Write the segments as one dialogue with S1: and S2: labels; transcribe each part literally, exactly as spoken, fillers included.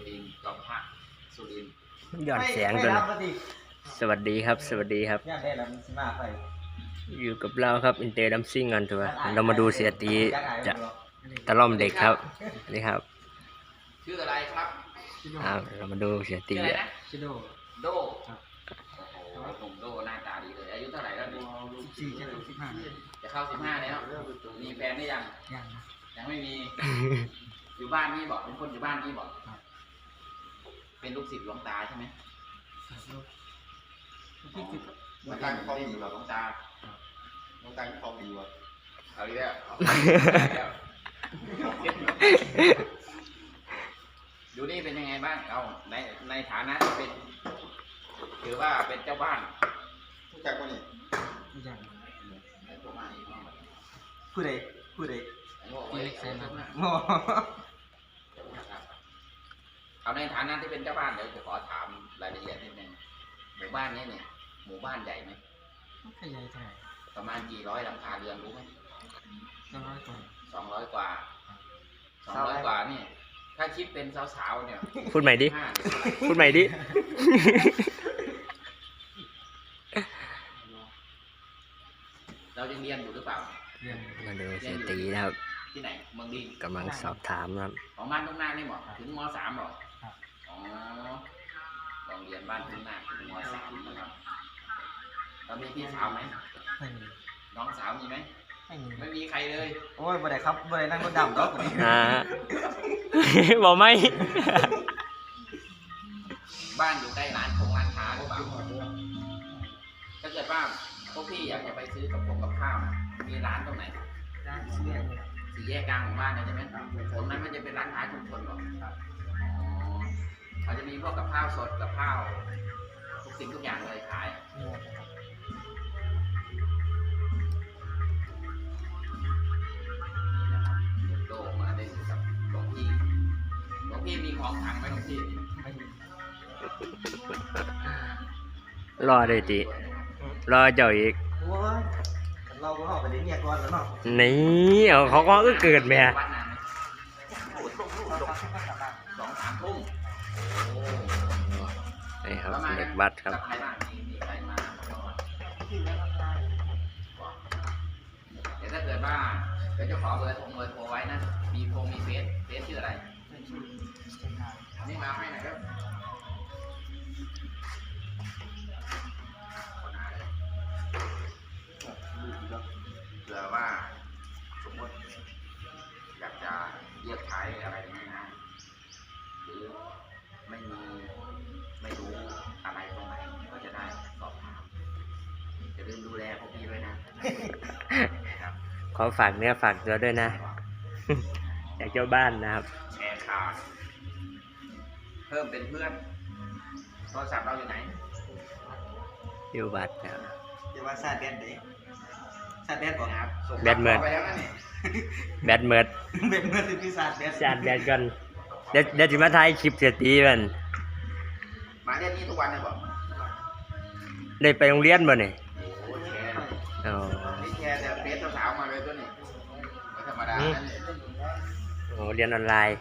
S1: รินทร์จอมพระสุรินทร์
S2: ย้อนแสงด้วยนะสวัสดีครับสวัสดีครับอยู่กับเราครับอินเตอร์ดัมซิ่งกันถูกไหมเรามาดูเสียตีจะตะล่อมเด็กครับนี่ครับ
S1: ชื่ออะไรครับ
S2: อ่าเรามาดูเสียตี
S1: ชื่ออะไร
S2: อ่ะ
S1: นะชื่อโดโดโอ้โหหนุ่มโดหน้าตาดีเลยอายุเท่าไหร่แล้วดู
S3: สิบสี่จะถึงสิบห้า
S1: จะเข้าสิบห้าแล้วมีแฟนหรือยัง
S3: ยังนะ
S1: ยังไม่มี อยู่บ้านนี่บอกเป็นคนอยู่บ้านนี่บอกเป็นลูกศิษย์หลวงตาใช่ไหม
S3: พี่คือ
S1: มาตั้งคลองอยู่กับหลวงตาหลวงตาคลองดีวะเอาอีกแล้วอยู่นี่เป็นยังไงบ้างเอาในในฐานะที่เป็นถือว่าเป็นเจ้าบ้านรู้จักว่านี่
S3: ยัง
S1: ไอ้พวกมาอีก
S3: ผู้ใดผู้ใด
S1: ไอ้พวกไอ้เล็กเซนนะ
S3: โง่
S1: เอาในฐานะที่เป็นเจ้าบ้านเดี๋ยวจะขอถามรายละเอียดนิดนึงหมู่บ้านนี้เนี่ยหมู่บ้านใหญ่ไหม
S3: ขยายเท่าไหร่
S1: ประมาณกี่ร้อยหลังคาเรือนรู้ไหม
S3: สองร้อยกว่า
S1: สองร้อยกว่าสองร้อยกว่านี่ถ้าคิดเป็นสาวๆเนี่ย
S2: พูดใหม่ดิ
S1: ห้า
S2: พูดใหม่ดิ
S1: เรายังเรียนอยู่หรือเปล่า
S3: เรียน
S2: มาดูเสียตีนะครับ
S1: ที่ไหนเมืองดิน
S2: กำลังสอบถามนะครับ
S1: ของบ้านทุ่งนานี่บอกถึงมสามบอกอ๋อโรงเรียนบ้านทุ่งนาถึงมสามนะครับเรามีพี่สาวไหม
S3: ไม่มี
S1: น้องสาวมีไหม
S3: ไม่มี
S1: ไม่มีใครเลย
S3: โอ้ยบ่ได้ครับบ่ได้นั่งรถดำดอกคนนี้
S2: อ่า บอกไหม
S1: บ้านอยู่ใกล้ร้านคงร้านค้าหรือเปล่าถ้าเกิดว่าพวกพี่อยากจะไปซื้อกับพวกกับข้าวนะมีร้านตรงไหน
S3: ร้านเสื้อเนี่ย
S1: สี่แยกกลางของบ้านเลยใช่ไหมตรงนั้นมันจะเป็นร้านค้าชุมชนหรออ๋อเขาจะมีพวกกับข้าวสดกับข้าวทุกสิ่งทุกอย่างเลยขาย
S3: เนี่ยนะครับ
S1: นี่นะครับโตมาได้อยู่กับหลวงพี่หลวงพี่มีของขลังไหมหลวงพี่
S3: ไม่มี
S2: รอได้ตีรอเจ้าอีก
S3: โอ้ยเราก็เข้าไปได้เนี่ยก่อนแล้วเนาะ
S2: นี่เอาเขาก็เกิดแม่
S1: วัดนานไหมสองสามทุ่มโอ้
S2: นี่ครับเด็กวัดครับ
S1: กับใครบ้างมีมีใครมาเดี๋ยวถ้าเกิดว่าเดี๋ยวจะขอเบอร์โทรเบอร์โทรไว้นะมีโฟมีเฟซเฟซชื่ออะไร
S3: ไม่ชื่อเส้นทาง
S1: อันนี้มาให้หน่อยครับเผื่อว่าสมมติอยากจะเรียกขายอะไรอย่างนี้นะหรือไม่มีไม่รู้อะไรตรงไหนก็จะได้สอบถามจะลืมดูแลพวกพี่ด้วยนะครับ
S2: ขอฝากเนื้อฝากตัวด้วยนะ อยากเจ้าบ้านนะครับ
S1: แชร์ข่าวเพิ่มเป็นเพื่อนโทรศัพท์เราอยู่ไหน
S2: อยู่บัตรนะครับ
S3: เดี๋ยวว่าซาดแดดเด้ซาดแดดบ่ครับ
S1: ส่ง
S2: แบตเมิด
S1: ไปแล้วนะนี่
S2: แบตเมิด
S3: เป็นเมื่อสิพี่ซาดแดด
S2: ชาร์จแบตก่อนเดี๋ยวเดี๋ยวจะมาถ่ายคลิปเสียตีมัน
S1: มาเรียนนี่ทุกวันเลยบอก
S2: ได้ไปโรงเรียนบ่เนี่ย
S1: โอ้แชร์
S2: อ๋อ
S1: นี่แชร์แต่เฟซสาวๆมาเลยตัวนี้ไม่ธรรมดานะนี่
S2: โอ้เรียนออนไลน์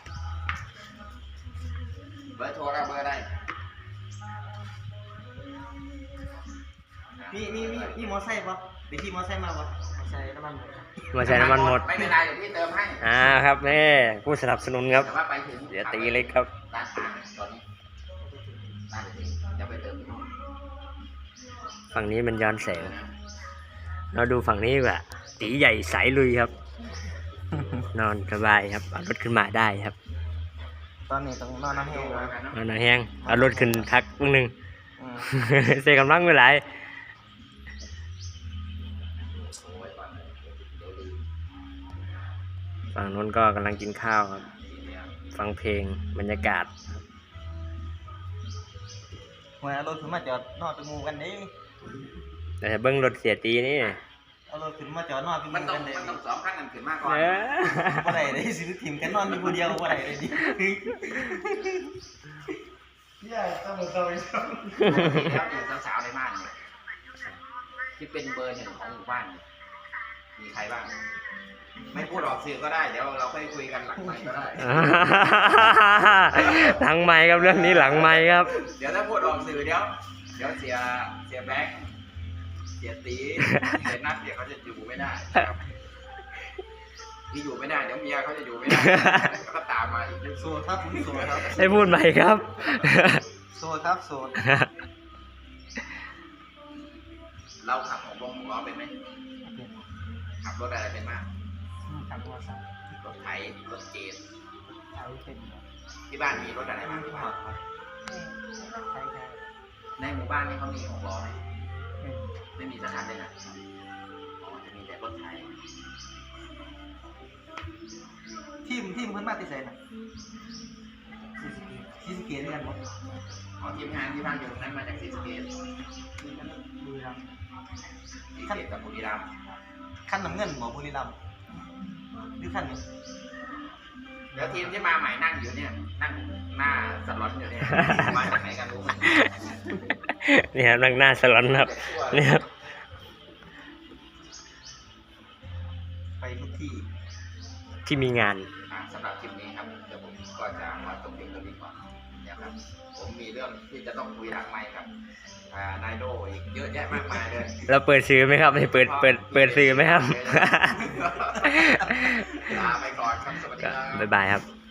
S1: เบอร์โทรเราเบอร์อะไร
S3: มีมีมีมีมอไซค์ปะไปขี่มอไซค์มาปะมอไซค์น้ำมันหมด
S2: มาใช้น้ำมันหมด
S1: ไม่เป็นไรเดี๋ยวพี่เติมให้
S2: อ่าครับแม่ผู้สนับสนุนครับ
S1: แต่ว่าไปถึง
S2: เสียตีเล็กครับ
S1: ร้านค้าตอนนี้ร้านเล็กเดี๋ยวไปเติมที่ห้อง
S2: ฝั่งนี้มันย้อนแสง เราดูฝั่งนี้ดีกว่าตีใหญ่สายลุยครับ นอนสบายครับเอารถขึ้นมาได้ครับ
S3: ตอนนี้ต้องนอนน้ำแห้งแล้ว
S2: นอนหนาแห้งเอารถขึ้นทักพวกหนึง
S3: อืม
S2: เสียกำลังไปหลาย
S1: โอ้ยก่อนเลยเดี๋ยวลืม
S2: ฝั่งนู้นก็กำลังกินข้าวครับ
S1: ทีเดียว
S2: ฟังเพลงบรรยากาศ
S3: หัวเอารถขึ้นมาจอดนอนเป็นหมูกันเด้
S2: แต่เบิ้งรถเสียตีนี่
S3: เอารถขึ้นมาจอดนอนเป็นห
S1: มัน
S3: มู
S1: ต้อ
S3: กั
S1: ง
S3: นเด้
S1: มันต้องสองขั้นกันขึ้นมากก่อน
S2: เออ
S3: บ่ได้เลยสิทีมกันนอนอยู่คนเดียวบ่ได้เลยดิเนี่ยต้องมือเข้าไปซ้อม
S1: แล้วอยู่สาวๆในบ้านเนี่ยที่เป็นเบอร์หนึ่งของหมู่บ้านเนี่ยมีใครบ้าง ไม่พูดออกสื่อก็ได้ เดี๋ยวเราค่อยคุยกันหลังไมค์ก็ได้
S2: หลังไม้ครับเรื่องนี้หลังไม้ครับ
S1: เดี๋ยวถ้าพูดออกสื่อเดี๋ยวเดี๋ยวเสียเสียแบงค์เสียตีเสียนัดเดี๋ยวเขาจะอยู่ไม่ได้ครับที่อยู่ไม่ได้เดี๋ยวเมียเขาจะอยู่ไม่ได้เขาก็ตามมาอีก
S3: โสดครับผมโสดครับ
S2: ให้พูดใหม่ครับ
S3: โสดครับโสด
S1: เราขับของวงของเราเป็นไหมขับรถอะไรเป็นมาก
S3: ขับมอเตอร์ไซค์
S1: รถไถรถเจน
S3: ใช้เป็น
S1: ที่บ้านมีรถอะไรบ้างที่บ้าน
S3: ใช้แค่
S1: ในหมู่บ้านนี่เขามีหกล้อไหมไม่มีสักคันเลยนะอ๋อจะมีแต่รถไถ
S3: ทีมทีมเพิ่นมาติดใจนะซีสเกตด้วยกันหมด
S1: อ๋อทีมงานที่บ้านอยู่ตรงนั้นมาจากศรีสะเกษ
S3: บุรีรัมย์
S1: ศรีสะเกษกับบุรีรัมย์
S3: ขั้นน้ำเงินหมอบุรีรัมย์หรือขั้นนี้
S1: แล้วทีมที่มาใหม่นั่งอยู่เนี่ยนั่งหน้าสล็อตอยู่เนี่ยมาจากไหนกันรู้ไหม
S2: นี่ครับนั่งหน้าสลอนครับนี่ครับ
S3: ไปทุกที่
S2: ที่มีงาน
S1: อ่าสำหรับคลิปนี้ครับเดี๋ยวผมก็จะมาจบเพียงเท่านี้ก่อนนะครับผมมีเรื่องที่จะต้องคุยหลังไมค์ครับอ่านายโดอีกเยอะแยะมากมายเลย
S2: เราเปิดซื้อไหมครับเปิดเปิดเปิดซื้อไหมครับ
S1: ลาไปก่อนครับสวัสดีครับ
S2: บ๊ายบายครับ